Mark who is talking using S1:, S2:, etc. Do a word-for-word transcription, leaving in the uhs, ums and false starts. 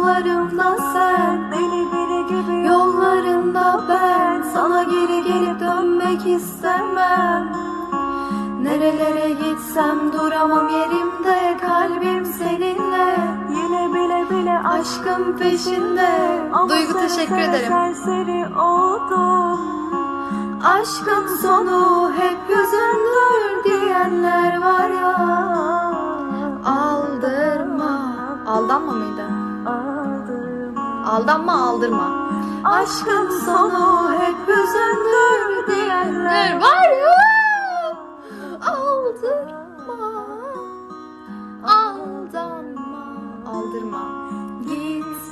S1: rüyalarımda sen,
S2: Deli biri gibi
S1: yollarında ben. Sana geri gelip dönmek istemem. Nerelere gitsem duramam yerimde, kalbim seninle.
S2: Yine bile bile
S1: Aşkın peşinde.
S2: Ama
S1: Duygu
S2: seve
S1: teşekkür
S2: seve
S1: ederim.
S2: Serseri oldum.
S1: Aşkın sonu hep hüzündür diyenler var ya. Aldırma. Aldanma mıydı?
S2: Aldırma.
S1: Aldanma, aldırma. Aşkın sonu hep hüzündür diyenler var ya. Aldırma. Aldanma. Aldırma. Git